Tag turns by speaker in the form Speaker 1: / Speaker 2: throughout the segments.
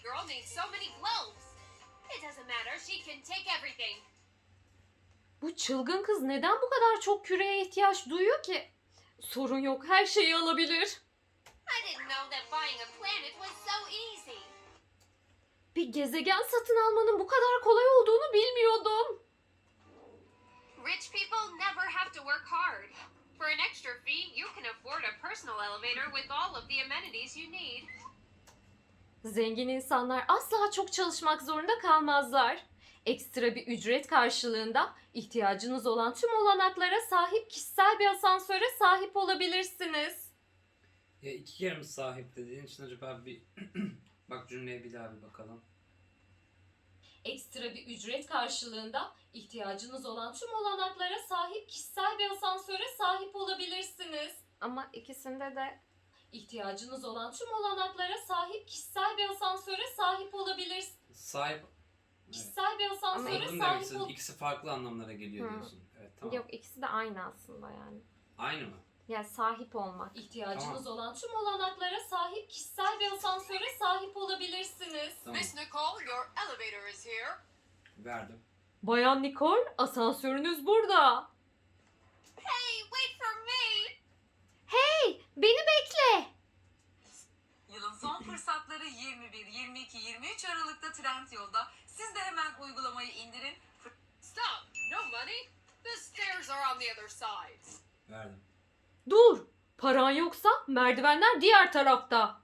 Speaker 1: girl needs so many globes. It doesn't matter. She can take everything.
Speaker 2: Bu çılgın kız neden bu kadar çok küreye ihtiyaç duyuyor ki? Sorun yok, her şeyi alabilir.
Speaker 1: I didn't know that buying a planet was so easy.
Speaker 2: Bir gezegen satın almanın bu kadar kolay olduğunu bilmiyordum.
Speaker 1: Rich people never have to work hard. For an extra fee, you can afford a personal elevator with all of the amenities you need.
Speaker 2: Zengin insanlar asla çok çalışmak zorunda kalmazlar. Ekstra bir ücret karşılığında ihtiyacınız olan tüm olanaklara sahip kişisel bir asansöre sahip olabilirsiniz.
Speaker 3: Ya iki kere mi sahip dediğin için acaba bir bak cümleye bir daha bir bakalım.
Speaker 2: Ekstra bir ücret karşılığında ihtiyacınız olan tüm olanaklara sahip kişisel bir asansöre sahip olabilirsiniz. Ama ikisinde de ihtiyacınız olan tüm olanaklara sahip kişisel bir asansöre sahip olabilirsiniz.
Speaker 3: Sahip.
Speaker 2: Kişisel bir asansöre
Speaker 3: Anladım demek
Speaker 2: sahip
Speaker 3: istediğin.
Speaker 2: ol...
Speaker 3: İkisi farklı anlamlara geliyor
Speaker 2: Hı.
Speaker 3: diyorsun. Evet tamam.
Speaker 2: Yok, ikisi de aynı aslında yani.
Speaker 3: Aynı mı?
Speaker 2: Yani sahip olmak. İhtiyacınız
Speaker 3: Tamam.
Speaker 2: olan tüm olanaklara sahip kişisel bir asansöre sahip olabilirsiniz.
Speaker 3: Tamam.
Speaker 1: Miss Nicole, your elevator is here.
Speaker 3: Verdim.
Speaker 2: Bayan Nicole, asansörünüz burada.
Speaker 1: Hey, wait for me.
Speaker 2: Hey, beni bekle.
Speaker 4: Yılın son fırsatları 21, 22, 23 Aralık'ta Trendyol'da. Siz de hemen uygulamayı indirin.
Speaker 1: Stop. No money. The stairs are on the other side.
Speaker 3: Verdim.
Speaker 2: Dur, paran yoksa merdivenler diğer tarafta.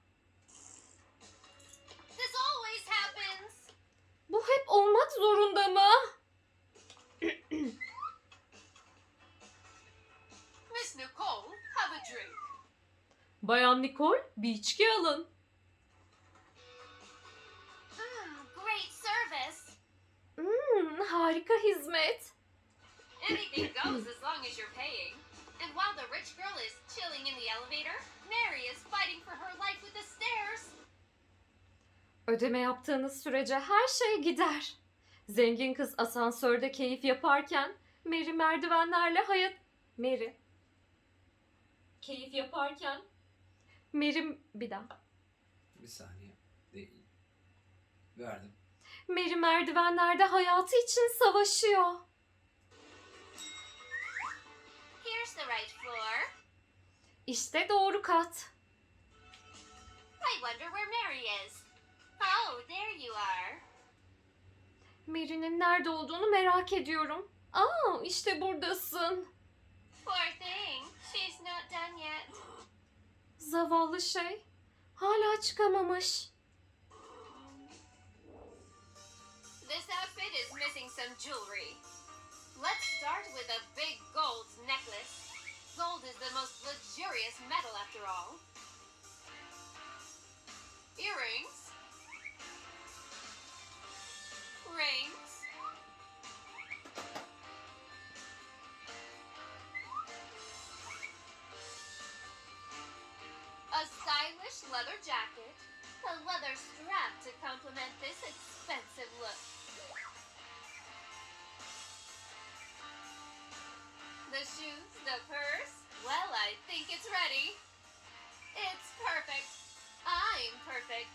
Speaker 1: This always happens.
Speaker 2: Bu hep olmak zorunda mı?
Speaker 1: Miss Nicole, have a drink.
Speaker 2: Bayan Nicole, bir içki alın.
Speaker 1: Great service.
Speaker 2: Harika hizmet.
Speaker 1: Anything goes as long as you're paying. And while the rich girl is chilling in the elevator, Mary is fighting for her life with the stairs.
Speaker 2: Ödeme yaptığınız sürece her şey gider. Zengin kız asansörde keyif yaparken Mary merdivenlerle Mary. Keyif yaparken bir daha.
Speaker 3: Bir saniye. Değil. Verdim.
Speaker 2: Mary merdivenlerde hayatı için savaşıyor.
Speaker 1: Here's the right floor.
Speaker 2: İşte doğru kat.
Speaker 1: I wonder where Mary is. Oh, there you are.
Speaker 2: Mary'nin nerede olduğunu merak ediyorum. Aa, işte buradasın.
Speaker 1: Poor thing. She's not done yet.
Speaker 2: Zavallı şey. Hala çıkamamış.
Speaker 1: This outfit is missing some jewelry. Let's start with a big gold necklace. Gold is the most luxurious metal after all. Earrings. Rings. A stylish leather jacket. A leather strap to complement this expensive look. The shoes, the purse. Well, I think it's ready. It's perfect. I'm perfect.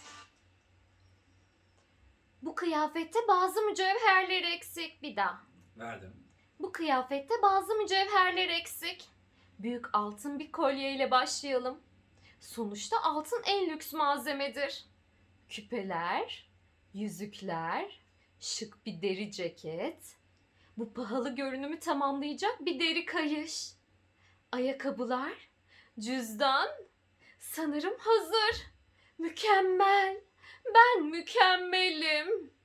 Speaker 2: Bu kıyafette bazı mücevherler eksik. Bir daha.
Speaker 3: Verdim.
Speaker 2: Bu kıyafette bazı mücevherler eksik. Büyük altın bir kolyeyle başlayalım. Sonuçta altın en lüks malzemedir. Küpeler, yüzükler, şık bir deri ceket. Bu pahalı görünümü tamamlayacak bir deri kayış. Ayakkabılar, cüzdan. Sanırım hazır. Mükemmel. Ben mükemmelim.